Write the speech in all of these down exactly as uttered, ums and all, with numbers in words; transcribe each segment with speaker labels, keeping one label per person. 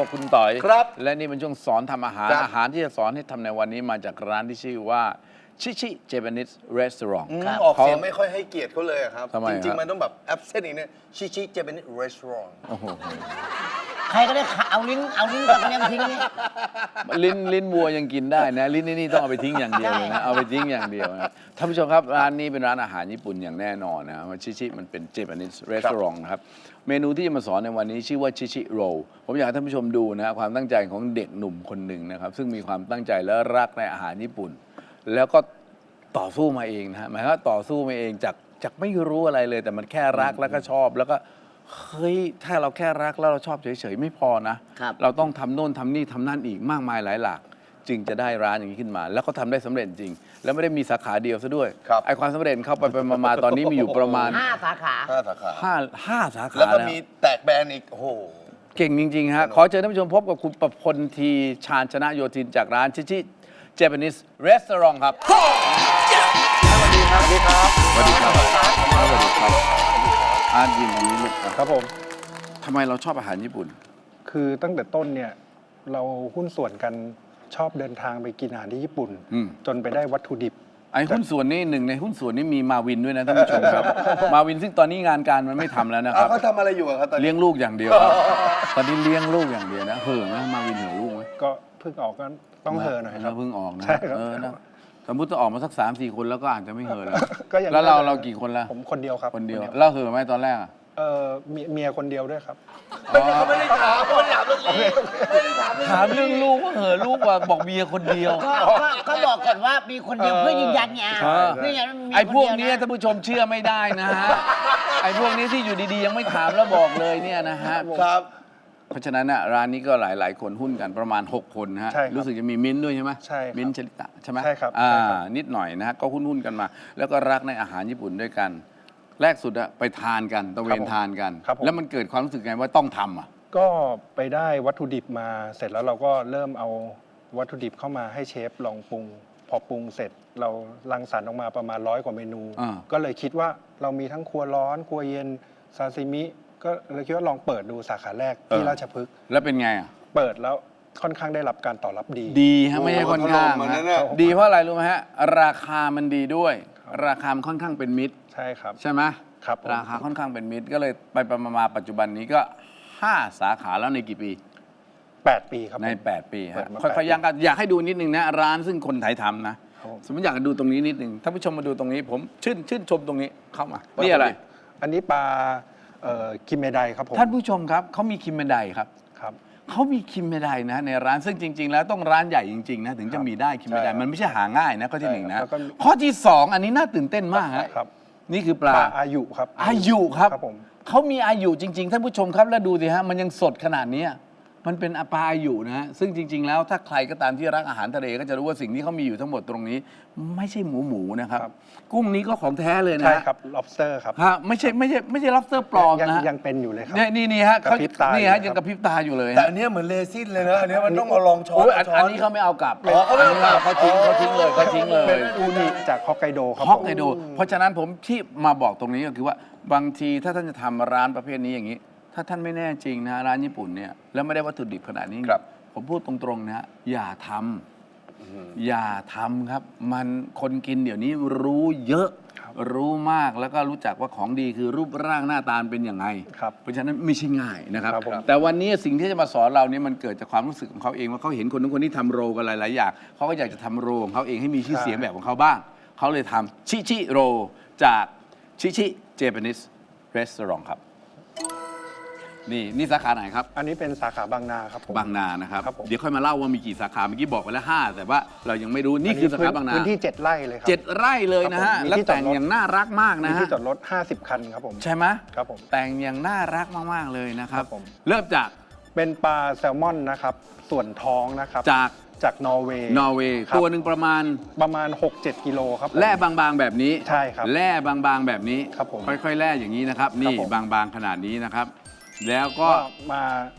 Speaker 1: คุณต่อย
Speaker 2: ครับ
Speaker 1: และนี่เป็นช่วงสอนทำอาหารอาหารที่จะสอนให้ทำในวันนี้มาจากร้านที่ชื่อว่าชิชิเจแปนิสรีสอร์ท
Speaker 2: ออกเสียงไม่ค่อยให้เกียรติเขาเลยครับ
Speaker 1: จ
Speaker 2: ริงๆมันต้องแบบแอปเซนต์อีกเนี่ยชิชิเจแปนิสรีสอร์ท
Speaker 1: โอ้โห
Speaker 3: ใครก็ได้เอาลิ้นเอาลิ้นกับยังทิ้งนี่
Speaker 1: ลิ้นลิ้นวัวยังกินได้นะลิ้นนี่ต้องเอาไปทิ้งอย่างเดียวเลยนะเอาไปทิ้งอย่างเดียวนะท่านผู้ชมครับร้านนี้เป็นร้านอาหารญี่ปุ่นอย่างแน่นอนนะชิชิมันเป็นเจแปนิสรีสอร์ทนะครับเมนูที่จะมาสอนในวันนี้ชื่อว่าชิชิโรลผมอยากให้ท่านผู้ชมดูนะความตั้งใจของเด็กหนุ่มคนหนึ่งนะครับซึ่งมีความตั้งใจและรักในอาหารญี่ปุ่น แล้วก็ต่อสู้มาเองนะฮะหมายความว่าต่อสู้มาเองจากจากไม่รู้อะไรเลย แต่มันแค่รักแล้วก็ชอบแล้วก็เฮ้ยถ้าเราแค่รักแล้วเราชอบเฉยๆไม่พอนะ เราต้องทำโน่นทำนี่ทำนั่นอีกมากมายหลายหลากจึงจะได้ร้านอย่างนี้ขึ้นมา แล้วก็ทำได้สำเร็จจริง แล้วไม่ได้มีสาขาเดียวซะด้วยไอความสำเร็จเข้าไปไปมาๆตอนนี้มีอยู่ประมาณ
Speaker 3: ห้าสาขา
Speaker 2: ห้าสาขา
Speaker 1: ห้าห้าสาขา
Speaker 2: แล้วก็
Speaker 1: นะ
Speaker 2: มีแตกแบรนด์อีกโอ้โห
Speaker 1: เก่งจริงๆฮะขอเชิญท่านผู้ชมพบกับคุณประพลทีชาญชนะโยธินจากร้านชิชิเจแปนิสรีสอร์ทครับสวัสดีครับ สวัสดีครับ สวัสดีครับ สวัสดีครับอาร์ตยินดีลูก
Speaker 4: ครับผม
Speaker 1: ทำไมเราชอบอาหารญี่ปุ่น
Speaker 4: คือตั้งแต่ต้นเนี่ยเราหุ้นส่วนกันชอบเดินทางไปกินอาหารที่ญี่ปุ่น
Speaker 1: อืม
Speaker 4: จนไปได้วัตถุดิบ
Speaker 1: ไอ้หุ้นส่วนนี้หนึ่งในหุ้นส่วนนี้มีมาวินด้วยนะท่านผู้ชมครับ มาวินซึ่งตอนนี้งานการมันไม่ทำแล้วนะค
Speaker 2: เอา
Speaker 1: รับ
Speaker 2: เขาทำอะไรอยู่อะครับตอนนี้
Speaker 1: เลี้ยงลูกอย่างเดียวครับตอนนี้เลี้ยงลูกอย่างเดียวนะเห่อไหมมาวินเห่อลูกไหม
Speaker 4: ก็เพิ่งออกก็ต้องเฮอหน่อยครับ
Speaker 1: เพิ่งออกนะ
Speaker 4: ใช่ครับ
Speaker 1: เออนะสมมติจะออกมาสักสามสี่คนแล้วก็อาจจะไม่เห่อแล้ว
Speaker 4: ก็ยัง
Speaker 1: แล้วเรา
Speaker 4: ไม่ได้
Speaker 1: เรากี่คนละ
Speaker 4: ผมคนเดียวครับ
Speaker 1: คนเดียวเราเห่อไหมตอนแรกอะ
Speaker 4: เออเมียเมียคนเดียวด้วยครับ
Speaker 2: เขาไม่ได้ถามเขาไม่ได้ถามเรื่องนี้ไม่ได้ถามเรื่อง
Speaker 1: ถามเรื่องลูกว่าเหอะลูกว่าบอกเมียคนเดียว
Speaker 3: ก็ก็ก็บอกก่อนว่ามีคนเดียวเพื่อยืนยันไง
Speaker 1: เออ
Speaker 3: เพื่อยืนยันว่ามี
Speaker 1: ไอ้พวก
Speaker 3: คเดี
Speaker 1: นี้
Speaker 3: ยะ
Speaker 1: ท่านผู้ชมเชื่อไม่ได้นะฮะ ไอ้พวกนี้ที่อยู่ดีๆ ยังไม่ถามแล้วบอกเลยเนี่ยนะฮะ
Speaker 2: ครับ
Speaker 1: เพราะฉะนั้นน่ะร้านนี้ก็หลายๆ คนหุ้นกันประมาณ หก คนนะฮะ
Speaker 4: ใช่ครับ
Speaker 1: รู้สึกจะมีมิ้นท์ด้วยใช่ไหม
Speaker 4: ใช่ครับ
Speaker 1: มิ้นท์ชลิตะใช่ไหม
Speaker 4: ใช่ครับ
Speaker 1: อ่า
Speaker 4: ใช่ครับ
Speaker 1: นิดหน่อยนะฮะก็หุ้นๆกันมา แล้วก็รักในอาหารญี่ปุ่นด้วยกัน แรกสุดอะไปทานกันตะเวนทานกัน
Speaker 4: ครับผม
Speaker 1: แล้วมันเกิดความรู้สึกไงว่าต้องทำอะ
Speaker 4: ก็ไปได้วัตถุดิบมาเสร็จแล้วเราก็เริ่มเอาวัตถุดิบเข้ามาให้เชฟลองปรุง พอปรุงเสร็จเรารังสรรค์ออกมาประมาณร้อยกว่าเมนู
Speaker 1: อ่า
Speaker 4: ก็เลยคิดว่าเรามีทั้งครัวร้อน ครัวเย็นซาซิมิ ก็เลยคิดว่าลองเปิดดูสาขาแรกที่ราชพฤกษ์
Speaker 1: แล้วเป็นไงอะ
Speaker 4: เปิดแล้วค่อนข้างได้รับการตอบรับดี
Speaker 1: ดีฮะไม่ใช่ค่อนข้าง
Speaker 2: โอ้โหถล่มมา
Speaker 1: ฮะ
Speaker 2: นั่นน่ะ
Speaker 1: ดีเพราะอะไรรู้ไหมฮะราคามันดีด้วย ราคามันค่อนข้างเป็นมิตร
Speaker 4: ใช่ครับ
Speaker 1: ใช่ไหม
Speaker 4: ครับผม
Speaker 1: ราคาค่อนข้างเป็นมิตรก็เลยไปไปมาๆปัจจุบันนี้ก็ห้าสาขาแล้วในกี่ปี
Speaker 4: แปดปีครับผม
Speaker 1: ใน แปด ปี
Speaker 4: เปิ
Speaker 1: ฮะ
Speaker 4: ดมา
Speaker 1: ค่อย
Speaker 4: แปด
Speaker 1: ๆยังกันอยากให้ดูนิดนึงนะร้านซึ่งคนไทยทำนะ
Speaker 4: ครับผม
Speaker 1: สมมติอยากจะดูตรงนี้นิดนึงท่านผู้ชมมาดูตรงนี้ ผมชื่นชื่นชมตรงนี้เข้ามานี่อะไร
Speaker 4: อันนี้ปลาเอ่อคิมเมไดครับผม
Speaker 1: ท่านผู้ชมครับเขามีคิมเมไดครับ
Speaker 4: ครับ
Speaker 1: เขามีคิมเมไดนะในร้านซึ่งจริง ๆ แล้วต้องร้านใหญ่จริงๆนะถึงจะมีได้คิมเมได
Speaker 2: ใช่ครับ
Speaker 1: มันไม่ใช่หาง่ายนะข้อที่หนึ่งนะ
Speaker 4: แล้วก็
Speaker 1: ข้อที่สองอันนี้น่าตื่นเต้นมากฮะ
Speaker 4: ครับ
Speaker 1: นี่คือป
Speaker 4: ป
Speaker 1: ลา
Speaker 4: ลาอายุครับ
Speaker 1: อายุครับ
Speaker 4: ครับผม
Speaker 1: เขามีอายุจริง ๆ ท่านผู้ชมครับ แล้วดูสิฮะ มันยังสดขนาดนี้ มันเป็นปลาอายุนะฮะ ซึ่งจริง ๆ แล้วถ้าใครก็ตามที่รักอาหารทะเลก็จะรู้ว่าสิ่งที่เขามีอยู่ทั้งหมดตรงนี้ ไม่ใช่หมูหมูนะครับ
Speaker 4: ครับ
Speaker 1: กุ้งนี้ก็ของแท้เลยนะ
Speaker 4: ใช่
Speaker 1: ฮะ
Speaker 4: ครับ lobster ครับ
Speaker 1: ฮะไม่ใช่ไม่ใช่ไม่ใช่ lobster ปลอม
Speaker 4: ยัง
Speaker 1: นะฮะ
Speaker 4: ยังเป็นอยู่เลยครับ
Speaker 1: เนี่ยนี่นี่ฮะ
Speaker 4: กระ
Speaker 1: เขา
Speaker 4: พริบตา
Speaker 1: นี่
Speaker 4: อยู่
Speaker 1: ฮะ
Speaker 4: ครับ
Speaker 1: ยังกระพริบตาอยู่เลย
Speaker 2: แต่
Speaker 1: ฮะ
Speaker 2: อันเนี้ยเหมือนเลซินเลยนะ อันเนี้ยมันต้องเอาลองช้อน
Speaker 1: โอ้ยอัน
Speaker 2: ช้
Speaker 1: อันนี้เขาไม่เอากลับ
Speaker 2: อ๋อเขาไม่เอากลับ
Speaker 1: เขาทิ้งเขาทิ้งเลยเขาทิ้งเลย
Speaker 4: เป็นอูนิจากฮอกไกโดครับ
Speaker 1: ฮอก
Speaker 4: ผม
Speaker 1: ไกโดเพราะฉะนั้นผมที่มาบอกตรงนี้ก็คือว่าบางทีถ้าท่านจะทำร้านประเภทนี้อย่างนี้ ถ้าท่านไม่แน่จริงนะร้านญี่ปุ่นเนี่ยแล้วไม่ได้วัตถุดิบขนาดนี้
Speaker 2: ครับ
Speaker 1: ผมพูดตรงๆนะฮะอย่าทำอย่าทำครับ มันคนกินเดี๋ยวนี้รู้เยอะ รู้มากแล้วก็รู้จักว่าของดีคือรูปร่างหน้าตาเป็นยังไง
Speaker 4: ครับ
Speaker 1: เพราะฉะนั้นไม่ใช่ง่ายนะครับ
Speaker 4: ครับผม
Speaker 1: แต่วันนี้สิ่งที่จะมาสอนเราเนี่ยมันเกิดจากความรู้สึกของเขาเองว่าเขาเห็นคนนู้นคนนี้ทำโรกันหลายๆอย่างเขาก็อยากจะทำโรของเขาเองให้มีชื่อเสียงแบบของเขาบ้าง เขาเลยทำชิชิโรจากชิชิเจแปนิสรีสอร์ทครับ นี่นี่สาขาไหนครับ
Speaker 4: อันนี้เป็นสาขาบางนาครับผม
Speaker 1: บางนานะครับ
Speaker 4: ครับผม
Speaker 1: เดี๋ยวค่อยมาเล่าว่ามีกี่สาขาเมื่อกี้บอกไปแล้วห้าแต่ว่าเรายังไม่รู้นี่คือสาขาบางนา
Speaker 4: พื้นที่เจ็ดไร่เลยครั
Speaker 1: เจ็ดไร่เลยนะฮะ
Speaker 4: ครับผมมี
Speaker 1: แล้ว
Speaker 4: ที่จอดรถ
Speaker 1: แต่งอย่างน่ารักมาก
Speaker 4: มี
Speaker 1: นะฮะ
Speaker 4: ที่จอดรถห้าสิบคันครับผม
Speaker 1: ใช่ไหม
Speaker 4: ครับผม
Speaker 1: แต่งอย่างน่ารักมากๆเลยนะครับ
Speaker 4: ครับผม
Speaker 1: เริ่มจาก
Speaker 4: เป็นปลาแซลมอนนะครับ ส่วนท้องนะครับ
Speaker 1: จาก
Speaker 4: จากนอร์เวย์
Speaker 1: นอร์เวย์
Speaker 4: ครับ
Speaker 1: ตัวหนึ่งประมาณ
Speaker 4: ประมาณ หกเจ็ด กิโลครับผม
Speaker 1: แร่บางๆแบบนี้
Speaker 4: ใช่ครับ
Speaker 1: แร่บางๆแบบนี้
Speaker 4: ครับผม
Speaker 1: ค่อยๆแร่อย่างนี้นะครับ นี่
Speaker 4: ผม
Speaker 1: บางๆขนาดนี้นะครับ แล้วก็
Speaker 4: ก็มา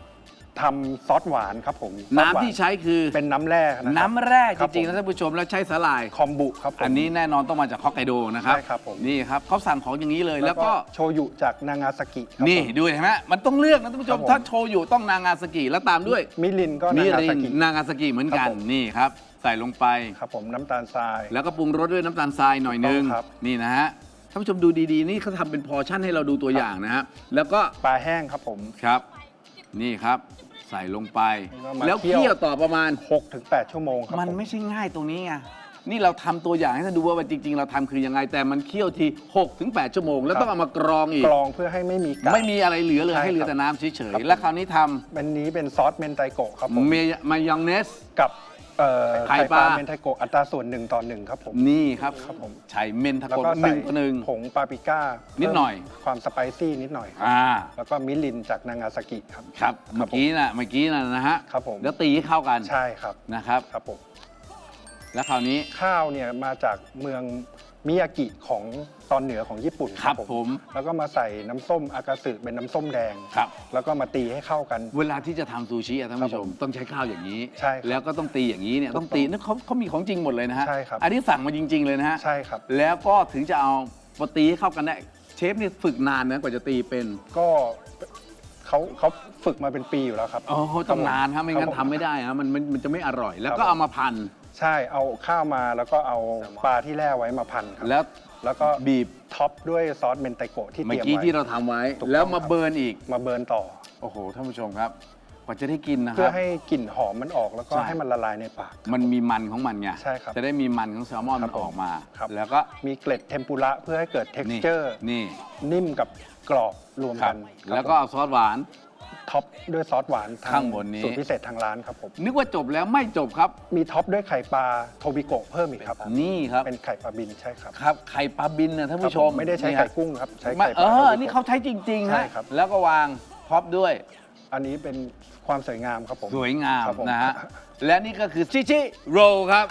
Speaker 4: ทำซอสหวานครับผมซอสหวา
Speaker 1: น้ำที่ใช้คือ
Speaker 4: เป็นน้ำแร่นะครับ
Speaker 1: น้ำแร่จ
Speaker 4: ครับ
Speaker 1: ริงๆ
Speaker 4: ผม
Speaker 1: นะท่านผู้ชมแล้วใช้สาหร่าย
Speaker 4: คอมบุครับผม
Speaker 1: อันนี้แน่นอนต้องมาจากฮอกไกโดนะครับ
Speaker 4: ใช่ครับผม
Speaker 1: นี่ครับเขาสั่งของอย่างนี้เลยแล้วก็
Speaker 4: โชยุจากนางาซากิครับ
Speaker 1: นี่
Speaker 4: ผม
Speaker 1: ดูเห็นไหมมันต้องเลือกนะท่านผู้ชม
Speaker 4: ครับผม
Speaker 1: ถ้าโชยุต้องนางาซากิแล้วตามด้วย
Speaker 4: มิรินก็
Speaker 1: มิ
Speaker 4: นางา
Speaker 1: ริ
Speaker 4: ซาน กิ
Speaker 1: นางาซากิเหมือนกัน
Speaker 4: ครับผม
Speaker 1: นี่ครับ ใส่ลงไป
Speaker 4: ครับผมน้ำตาลทราย
Speaker 1: แล้วก็ปรุงรสด้วยน้ำตาลทรายหน่อยนึง
Speaker 4: ถูกต้องครับ
Speaker 1: นี่นะฮะท่านผู้ชมดูดีๆ นี่เขาทำเป็นพอร์ชั่นให้เราดูตัวอย่างนะฮะแล้วก็
Speaker 4: ปลาแห้งครับผม
Speaker 1: ครับ นี่ครับ ใส่ลงไป
Speaker 4: แล้วมา
Speaker 1: แล้ว
Speaker 4: เคี่
Speaker 1: เคี่ย
Speaker 4: ยว ว
Speaker 1: ต่อประมาณ
Speaker 4: หกถึงแปดชั่วโมงครับ
Speaker 1: มัน
Speaker 4: ผ
Speaker 1: ไม่ใช่ง่ายตรงนี้ไงนี่เราทำตัวอย่างให้ท่านดูว่าจริง ๆ เราทำคือยังไง แต่มันเคี่ยวทีหกถึงแปดชั่วโมง แล้วต้องเอามากรองอีก
Speaker 4: กรองเพื่อให้ไม่มีกาก
Speaker 1: ไม่มีอะไรเหลือเลย
Speaker 4: ใช่
Speaker 1: ให้เหลือ
Speaker 4: ครับ
Speaker 1: แต่น้ำเฉย
Speaker 4: ครับ
Speaker 1: ๆแล้วคราวนี้ท
Speaker 4: อันนี้เป็นซอสเมนไตโกะครับผม
Speaker 1: ำเมยมายองเนส
Speaker 4: กับเอ่อ
Speaker 1: ไข่
Speaker 4: ไข่
Speaker 1: ป
Speaker 4: ป
Speaker 1: ลา
Speaker 4: ลาเมนไทโกะอัตราส่วนหนึ่งต่อหนึ่งครับผม
Speaker 1: นี่ครับ
Speaker 4: ครับผม
Speaker 1: ใช้เมนทา
Speaker 4: แล้ว
Speaker 1: โกะ
Speaker 4: ก็
Speaker 1: ห
Speaker 4: ใส่
Speaker 1: นึ่งต่อหนึ่ง
Speaker 4: ผงปาปริก้า
Speaker 1: นิดหน่อย
Speaker 4: เพิ่มความสไปซี่นิดหน่อยครับ
Speaker 1: อ่า
Speaker 4: แล้วก็มิรินจากนางาซากิครับ
Speaker 1: ครับเมื่อกี้น่ะเมื่อกี้น่ะนะฮะ
Speaker 4: ครับผม
Speaker 1: แล้วตีให้เข้ากัน
Speaker 4: ใช่ครับ
Speaker 1: นะครับ
Speaker 4: ครับผม
Speaker 1: แล้วคราวนี้
Speaker 4: ข้าวเนี่ยมาจากเมืองมิยากิของตอนเหนือของญี่ปุ่น
Speaker 1: ครับผม
Speaker 4: แล้วก็มาใส่น้ำส้มอากาสึเป็นน้ำส้มแดง
Speaker 1: ครับ
Speaker 4: แล้วก็มาตีให้เข้ากัน
Speaker 1: เวลาที่จะทำซูชิอะท่านผู้ช
Speaker 4: ครับ
Speaker 1: ม
Speaker 4: ผม
Speaker 1: ต้องใช้ข้าวอย่างนี้
Speaker 4: ใช่ครับ
Speaker 1: แล้วก็ต้องตีอย่างนี้เนี่ย
Speaker 4: ถูก
Speaker 1: ต้องตีนั่นเขาเขามีของจริงหมดเลยนะฮะ
Speaker 4: ใช่ครับ
Speaker 1: อันนี้สั่งมาจริง ๆ เลยนะฮะ
Speaker 4: ใช่ครับ
Speaker 1: แล้วก็ถึงจะเอามาตีให้เข้ากันได้เชฟนี่ฝึกนานนะกว่าจะตีเป็น
Speaker 4: ก็เขาเขาฝึกมาเป็นปีอยู่แล้วครับ
Speaker 1: โอ้โหต้องนานครับไม่งั้น
Speaker 4: ครับผ
Speaker 1: ทำไม่ได้ฮะมันมันมันจะไม่อร่อย แล้ว
Speaker 4: ครับ
Speaker 1: ก็เอามาพัน
Speaker 4: ใช่เอาข้าวมาแล้วก็เอาปลาที่แล่ไว้มาพันครับ
Speaker 1: แล้ว
Speaker 4: แล้วก็
Speaker 1: บีบ
Speaker 4: ท็อปด้วยซอสเมนไตโกะที่
Speaker 1: เมื่
Speaker 4: เต
Speaker 1: อ
Speaker 4: รียม
Speaker 1: กี้
Speaker 4: ไว้
Speaker 1: ที่เราทำไว้
Speaker 4: ถูกต้อง
Speaker 1: แล้วมา
Speaker 4: ครับ
Speaker 1: เบิร์นอีก
Speaker 4: มาเบิร์นต่อ
Speaker 1: โอ้โหท่านผู้ชมครับกว่าจะได้กินนะค
Speaker 4: เพื่
Speaker 1: รั
Speaker 4: อบ ให้กลิ่นหอมมันออกแล้วก็
Speaker 1: ใช่
Speaker 4: ให้มันละลายในปาก
Speaker 1: มันมีมันของมันไง
Speaker 4: ใช่ครับ
Speaker 1: จะได้มีมันของแซลมอน
Speaker 4: ครั
Speaker 1: มั
Speaker 4: บ
Speaker 1: นออกมา
Speaker 4: ครับ
Speaker 1: แล้วก็
Speaker 4: มีเกล็ดเทมปุระเพื่อให้เกิด
Speaker 1: นี่
Speaker 4: texture
Speaker 1: นี่
Speaker 4: นิ่มกับกรอบรวม
Speaker 1: ครั
Speaker 4: กับ นครับ
Speaker 1: แล้วก็เอาซอสหวาน
Speaker 4: ท็อปด้วยซอสหวานท
Speaker 1: ข้างบนนี้
Speaker 4: สูตรพิเศษทางร้านครับผม
Speaker 1: นึกว่าจบแล้วไม่จบครับ
Speaker 4: มีท็อปด้วยไข่ปลาโทบิโกะเพิ่มอีกครับ
Speaker 1: นี่ครับ
Speaker 4: เป็นไข่ปลาบินใช่ครับ
Speaker 1: ครับไข่ปลาบินนะท่านผู้ชม
Speaker 4: ครับผไม่ได้ใช้
Speaker 1: นี่
Speaker 4: ไข่
Speaker 1: ฮะ
Speaker 4: กุ้งครับ ใช้
Speaker 1: ไม่
Speaker 4: ไข่ป
Speaker 1: เอ
Speaker 4: ลาโท
Speaker 1: อ
Speaker 4: บิโกะ
Speaker 1: นี่เขาใช้จริงๆ
Speaker 4: ใช่
Speaker 1: ฮะ
Speaker 4: ครับ
Speaker 1: แล้วก็วางท็อปด้วย
Speaker 4: อันนี้เป็นความสวยงามครับผม
Speaker 1: สวยงาม
Speaker 4: ครับผม
Speaker 1: นะฮะ และนี่ก็คือชิชิโรลครับ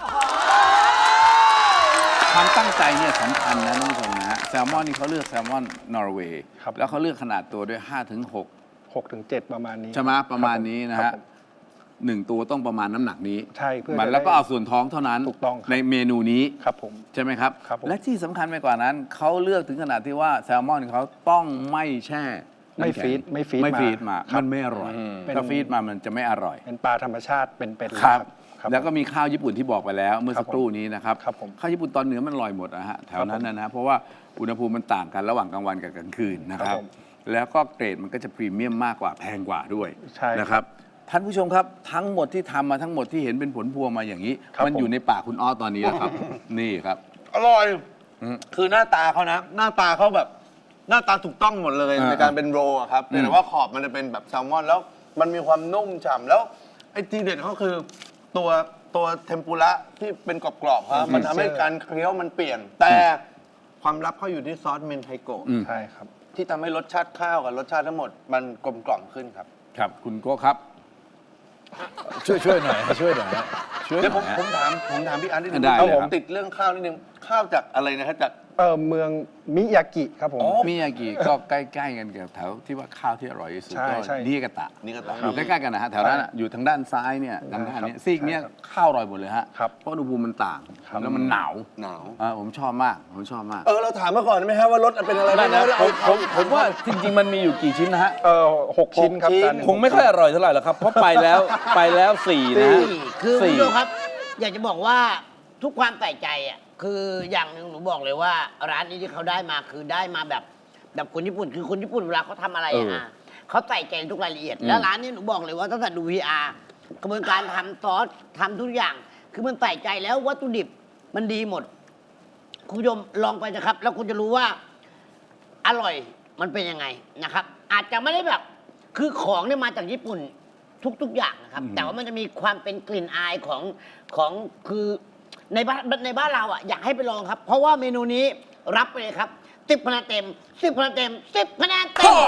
Speaker 1: ความตั้งใจเนี่ยสำคัญนะท่านผู้ชมนะฮะแซลมอนนี่เขาเลือกแซลมอนนอร์เวย์
Speaker 4: ครับ
Speaker 1: แล้วเขาเลือกขนาดตัวด้วย ห้าถึงหก
Speaker 4: หกถึงเจ็ดประมาณนี้
Speaker 1: ใช่ไหมประมาณนี้นะ
Speaker 4: ครั
Speaker 1: ฮะ
Speaker 4: บผม
Speaker 1: หนึ่งตัวต้องประมาณน้ำหนักนี้
Speaker 4: ใช่เพื่อ
Speaker 1: มัน
Speaker 4: จะ
Speaker 1: แล้วก็
Speaker 4: ได้
Speaker 1: เอาส่วนท้องเท่านั้น
Speaker 4: ถูกต้องครับ
Speaker 1: ในเมนูนี้
Speaker 4: ครับผม
Speaker 1: ใช่ไหมครับ
Speaker 4: ครับผม
Speaker 1: และที่สำคัญไปกว่านั้น เขาเลือกถึงขนาดที่ว่าแซลมอนเขาต้องไม่แช่
Speaker 4: ไม่
Speaker 1: น้ำแข็ง
Speaker 4: ฟีดไม่ฟีด
Speaker 1: ไม่ฟีดมา
Speaker 4: ครับ
Speaker 1: มันไม่อร่อย
Speaker 4: เป็น
Speaker 1: ถ้าฟีดมามันจะไม่อร่อย
Speaker 4: เป็นปลาธรรมชาติเป็นเป็นๆ
Speaker 1: ครับ
Speaker 4: ครับ
Speaker 1: แล้วก็มีข้าวญี่ปุ่นที่บอกไปแล้ว เมื่อสักครู่นี้นะครับ
Speaker 4: ครับผม
Speaker 1: ข้าวญี่ปุ่นตอนเหนือมันลอยหมดนะฮะแถวนั้นนะนะเพราะว่าอุณหภูมิมันต่างกันระหว่างกลางวันกับกลางคืนนะค
Speaker 4: ครั
Speaker 1: รั
Speaker 4: บบ ผม
Speaker 1: แล้วก็เกรดมันก็จะพรีเมียมมากกว่าแพงกว่าด้วย
Speaker 4: ใช่ครับ
Speaker 1: นะครับท่านผู้ชมครับทั้งหมดที่ทำมาทั้งหมดที่เห็นเป็นผลพวงมาอย่างนี้
Speaker 4: ครับ
Speaker 1: มัน
Speaker 4: ผม
Speaker 1: อยู่ในปากคุณอ้อตอนนี้แล้วครับ นี่ครับ
Speaker 2: อร่อย
Speaker 1: อืม
Speaker 2: คือหน้าตาเขานะ หน้าตาเขาแบบ หน้าตาถูกต้องหมดเลย
Speaker 1: อ่า
Speaker 2: ในการเป็นโรลอะครับ
Speaker 1: อืม
Speaker 2: แต่ว่าขอบมันจะเป็นแบบแซลมอน แล้วมันมีความนุ่มฉ่ำแล้วไอ้ทีเด็ดเขาคือตัวตัวเทมปุระที่เป็นกรอบๆครับมันทำให้การเคี้ยวมันเปลี่ยน แต่ความลับเขาอยู่ที่ซอสเมนไทโกะ
Speaker 1: อืม
Speaker 4: ใช่ครับ
Speaker 2: ที่ทำให้รสชาติข้าวกับรสชาติทั้งหมดมันกลมกล่อมขึ้นครับ
Speaker 1: ครับคุณโก้ครับ ช่วยช่วยหน่อยช่วยหน่อยช่วย
Speaker 2: เดี๋ยว
Speaker 1: ห
Speaker 2: ผ
Speaker 1: น่อ
Speaker 2: ม
Speaker 1: ยฮะ
Speaker 2: ผมถามผมถามพี่อันนิดนึง
Speaker 1: ได้
Speaker 2: ครับ
Speaker 1: เลย
Speaker 2: ผ
Speaker 1: ค
Speaker 2: ม
Speaker 1: รับ
Speaker 2: ติดเรื่องข้าวนิดนึงข้าวจากอะไรนะครับจาก
Speaker 4: เออเมืองมิยากิครับผม
Speaker 2: อ๋อ
Speaker 1: มิยากิก็ใกล้ๆกันกับแถวที่ว่าข้าวที่อร่อยที่สุด
Speaker 4: ใช่
Speaker 1: ก็
Speaker 4: ใช่
Speaker 1: นิกาตะ
Speaker 2: นี่ก็ตาม
Speaker 1: อยู่ใกล้ๆกันนะฮะแถวนั้นอะอยู่ทางด้านซ้ายเนี่ยทางด้านเนี้ยซีกเนี้ย
Speaker 4: ใช่ครับ
Speaker 1: ข้าวอร่อยหมดเลยฮะ
Speaker 4: ครับ
Speaker 1: เพราะอุณหภูมิมันต่าง
Speaker 4: ครับ
Speaker 1: แล้วมันหนาว
Speaker 2: หนาว
Speaker 1: อ่าผมชอบมากผมชอบมาก
Speaker 2: เออเราถามมาก่อนได้ไหมฮะว่ารสเป็นอะไรบ้างนะ
Speaker 1: ผมผมผมว่าจริงๆมันมีอยู่กี่ชิ้นนะฮะ
Speaker 4: เออหกชิ้นครับ
Speaker 2: หกชิ้น
Speaker 4: จานหนึ่
Speaker 1: คงไม่ค่อยอร่อยเท่าไหร่หรอกครับ เพราะไปแล้วไปแล้วสี่นะฮะ
Speaker 3: สี่คือคุณ
Speaker 1: สี่
Speaker 3: ผู้ชมครับ อยากจะบอกว่าทุกความใส่ใจอ่ะคืออย่างหนึ่งหนูบอกเลยว่า ร้านนี้ที่เขาได้มาคือได้มาแบบแบบคนญี่ปุ่น คือคนญี่ปุ่นเวลาเขาทำอะไรอะ
Speaker 1: เออ
Speaker 3: อ่ะเขาใส่ใจในทุกรายละเอียด
Speaker 1: อืม
Speaker 3: แล้วร้านนี้หนูบอกเลยว่าตั้งแต่ดู วี อาร์ กระบวนการทำซอสทำทุกอย่าง คือมันใส่ใจแล้ววัตถุดิบมันดีหมด คุณผู้ชมลองไปนะครับ แล้วคุณจะรู้ว่า อร่อยมันเป็นยังไงนะครับ อาจจะไม่ได้แบบ คือของเนี่ยมาจากญี่ปุ่นทุก ๆ อย่างนะครับ
Speaker 1: อืม
Speaker 3: แต่ว่ามันจะมีความเป็นกลิ่นอายของของคือในบ้านในบ้านเราอ่ะอยากให้ไปลองครับ เพราะว่าเมนูนี้รับไปเลยครับสิบคะแนนเต็มสิบคะแนนเต็มสิบคะแนนเต็ม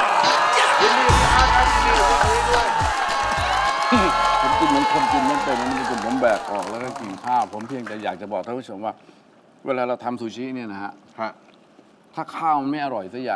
Speaker 1: ผมกินเหมือนคนกินไม่เป็นนะมันเป็นผมแบกออกแล้วก็กินข้าว ผมเพียงแต่อยากจะบอกท่านผู้ชมว่า เวลาเราทำซูชิเนี่ยนะฮะ
Speaker 2: ฮะ
Speaker 1: ถ้าข้าวมันไม่อร่อยสักอย่างอะ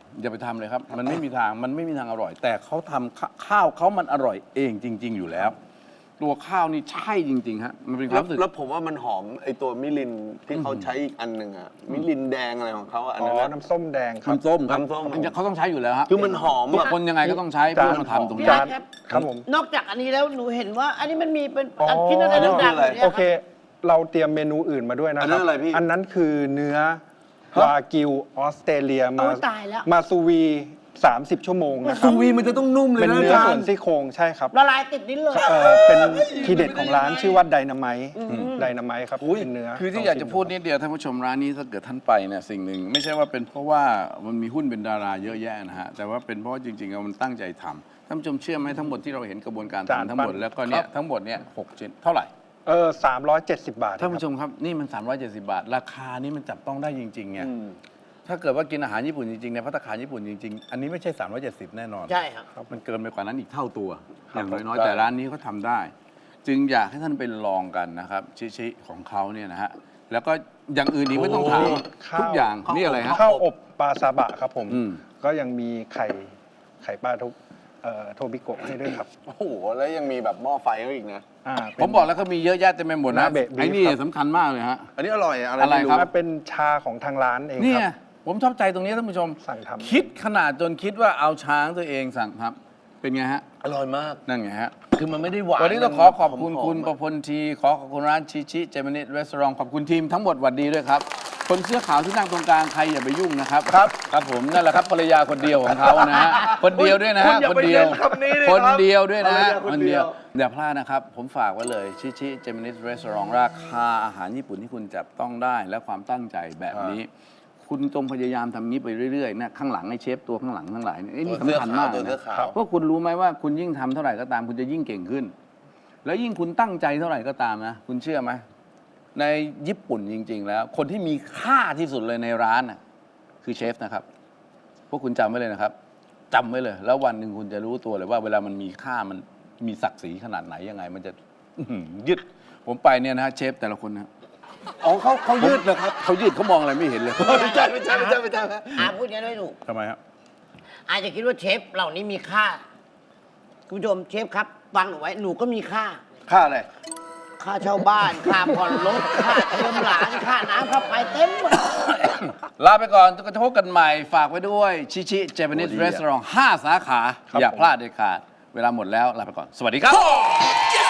Speaker 1: อย่าไปทำเลยครับ มันไม่มีทางมันไม่มีทางอร่อย แต่เขาทำข้าข้าวเขามันอร่อยเองจริง ๆ อยู่แล้ว ตัวข้าวนี่ใช่จริงๆฮะมันเป็นควา
Speaker 2: แล้
Speaker 1: ม
Speaker 2: ว
Speaker 1: รู้สึก
Speaker 2: แล้วผมว่ามันหอมไอตัวมิลินที่เขาใช้อีกอันหนึ่งอะมิลินแดงอะไรของเขาอะอัน
Speaker 4: อ๋อ
Speaker 2: นั้นอะ
Speaker 4: น้ำส้มแดงครับ
Speaker 1: น้ำส้มครับ
Speaker 2: น้ำส้ม
Speaker 1: มันจะเขาต้องใช้อยู่แล้วฮะ
Speaker 2: คือมันหอม
Speaker 1: ทุก
Speaker 2: อะ
Speaker 1: คนยังไงก็ต้องใช้เพื่อมาทำตรง
Speaker 3: พี่
Speaker 1: นี้
Speaker 3: อาร์ตครับ
Speaker 4: ครับผม
Speaker 3: นอกจากอันนี้แล้วหนูเห็นว่า อันนี้มันมีเป็น
Speaker 4: อ๋ออั
Speaker 3: นชิ้นอะไรดังๆอยู่เนี่ย
Speaker 4: โอ
Speaker 3: ค
Speaker 4: เค
Speaker 3: รับ
Speaker 4: เราเตรียมเมนูอื่นมาด้วยนะค
Speaker 2: อั
Speaker 4: รั
Speaker 2: นนั้นอะไรพี่
Speaker 4: อันนั้นคือเนื้อวากิวออสเตรเลียมา
Speaker 3: โอ้ยตายแล้ว
Speaker 4: มาซูวีสามสิบ ชั่วโมงนะครั
Speaker 2: ซู
Speaker 4: บ
Speaker 2: วีมันจะต้องนุ่มเลย
Speaker 4: เป็น
Speaker 2: นะ
Speaker 4: เนื้อ
Speaker 2: อาจาร
Speaker 4: ส่วน
Speaker 2: ย์
Speaker 4: ซี่โครงใช่ครับ
Speaker 3: ละลายติดลิ้นเลย
Speaker 4: เอ่อเป็นทีเด็ดของร้านชื่อว่าไดนาไมต์ไดนาไมต์ครับเป็นเนื้อ
Speaker 1: คือที่อยากจะพูดนิดเดียวท่านผู้ชมร้านนี้ถ้าเกิดท่านไปเนี่ยสิ่งหนึ่งไม่ใช่ว่าเป็นเพราะว่ามันมีหุ้นเป็นดาราเยอะแยะนะฮะแต่ว่าเป็นเพราะว่าจริงๆแล้วมันตั้งใจทำท่านผู้ชมเชื่อไหมทั้งหมดที่เราเห็นกระบวนการ
Speaker 4: จาน
Speaker 1: ทำทั้งหมด
Speaker 4: ปั้น
Speaker 1: แล้วก็เนี่ย
Speaker 4: ครับ
Speaker 1: ทั้งหมดเนี่ยหกชิ้นเท่าไหร่
Speaker 4: เออสามร้อยเจ็ดสิบบาท
Speaker 1: ท่านผู้
Speaker 4: ค
Speaker 1: ช
Speaker 4: รับ
Speaker 1: มครับนี่มัน สามร้อยเจ็ดสิบบาท ราคานี้มันจับต้องได้จริงๆไง
Speaker 2: อืม
Speaker 1: ถ้าเกิดว่ากินอาหารญี่ปุ่นจริงๆในภัตตาคารญี่ปุ่นจริงๆ อันนี้ไม่ใช่ สามร้อยเจ็ดสิบ แน่นอน
Speaker 3: ใช่ครับ
Speaker 1: มันเกินไปกว่านั้นอีกเท่าตัว อย่างน้อย
Speaker 2: ใช่
Speaker 1: ๆแต่ร้านนี้เขาทำได้ จึงอยากให้ท่านไปลองกันนะครับชิๆของเขาเนี่ยนะฮะแล้วก็อย่างอื่นอีกไม่ต้องถาม
Speaker 4: ข้าว
Speaker 1: ทุกอย่างนี่อะไรฮะ
Speaker 4: ข้าวอบปลาซาบะครับผม
Speaker 1: อืม
Speaker 4: ก็ยังมีไข่ไข่ปลาทุกเอ่อโทบิโกะให้ด้วยครับ
Speaker 2: โอ้โหแล้วยังมีแบบหม้อไฟเขาอีกนะ
Speaker 4: อ่าเป็น
Speaker 1: ผมบอกแล้วเขามีเยอะแยะเต็มไปหมดนะ
Speaker 4: นาเบะบีฟ
Speaker 1: ไอ้นี่
Speaker 4: ครับ
Speaker 1: สำคัญมากเลยฮะ
Speaker 2: อันนี้อร่อยอะไร
Speaker 1: อะไร
Speaker 2: ไม่
Speaker 1: ครับ
Speaker 4: ว่าเป็นชาของทางร้านเอง
Speaker 1: เนี่
Speaker 4: ค
Speaker 1: ย
Speaker 4: รับ
Speaker 1: ผมชอบใจตรงนี้ท่านผู้ชม
Speaker 4: สั่งทำ
Speaker 1: คิดขนาดจนคิดว่าเอาช้างตัวเองสั่งครับ เป็นไงฮะ
Speaker 2: อร่อยมาก
Speaker 1: นั่นไงฮะ
Speaker 2: คือมันไม่ได้หวาน
Speaker 1: วันนี้ต้องขอขอบคุณ
Speaker 2: มันหมๆ
Speaker 1: คุณ
Speaker 2: อะ
Speaker 1: ประพลทีขอขอบคุณร้านชิชิเจมินิรีสอร์ทขอบคุณทีมทั้งหมดหวัดดีด้วยครับ คนเสื้อขาวที่นั่งตรงกลางใครอย่าไปยุ่งนะครับครับครับผมนั่นแหละครับภรรยาคนเดียวของเขานะฮะคนเดียวด้วยนะ
Speaker 2: คุ
Speaker 1: ฮะ
Speaker 2: ณอย่า
Speaker 1: คน
Speaker 2: ไป
Speaker 1: เดียว
Speaker 2: เน้นคำนี้ดิ
Speaker 1: คน
Speaker 2: ครับ
Speaker 1: เดียวด้วยนะฮะ
Speaker 2: ภรรยาคนเดียว
Speaker 1: อย่าพลาดนะครับ ผมฝากไว้เลยชิชิเจมินิรีสอร์ทราคาอาหารญี่ปุ่นที่คุณจับต้องได้และความตั้งใจแบบนี้ คุณจงพยายามทำนี้ไปเรื่อยๆนะข้างหลังไอ้เชฟตัวข้างหลังทั้งหลายเนี่ยไอ้นี่
Speaker 2: ตัวเสื้อ
Speaker 1: สำคัญมาก
Speaker 2: ขาวตัวเสื้
Speaker 1: นะ
Speaker 2: อขาว
Speaker 1: เพราะคุณรู้ไหมว่าคุณยิ่งทำเท่าไหร่ก็ตามคุณจะยิ่งเก่งขึ้น แล้วยิ่งคุณตั้งใจเท่าไหร่ก็ตามนะ คุณเชื่อไหมในญี่ปุ่นจริง ๆ แล้ว คนที่มีค่าที่สุดเลยในร้านน่ะคือเชฟนะครับ พวกคุณจำไว้เลยนะครับจำไว้เลย แล้ววันหนึ่งคุณจะรู้ตัวเลยว่าเวลามันมีค่ามันมีศักดิ์ศรีขนาดไหนยังไง มันจะอื้อหือยึดผมไปเนี่ยนะฮะเชฟแต่ละคนนะ
Speaker 2: อ๋อเขาเขายืดเหรอครับ
Speaker 1: เขายืดเขามองอะไรไม่เห็นเลย
Speaker 2: ไม่ใช่ไม่ใช่ไม่ใช่ไม่ใช่
Speaker 3: อาพูดอย่างนั้นไม่ถูก
Speaker 1: ทำไมครับ
Speaker 3: อาจจะคิดว่าเชฟเหล่านี้มีค่า คุณผู้ชมเชฟครับฟังหนูไว้ หนูก็มีค่า
Speaker 2: ค่าอะไร
Speaker 3: ค่าเช่าบ้าน ค่าผ่อนรถ ค่าเทอมหลาน ค่าน้ำค่าไฟเต็มหมด
Speaker 1: ลาไปก่อนจะพบกันใหม่ ฝากไว้ด้วย ชิชิเจแปนิสรีสอร์ทห้าสาขา
Speaker 4: ครับ
Speaker 1: อย่า
Speaker 4: ผม
Speaker 1: พลาดเด็ดขาด เวลาหมดแล้ว ลาไปก่อน สวัสดีครับ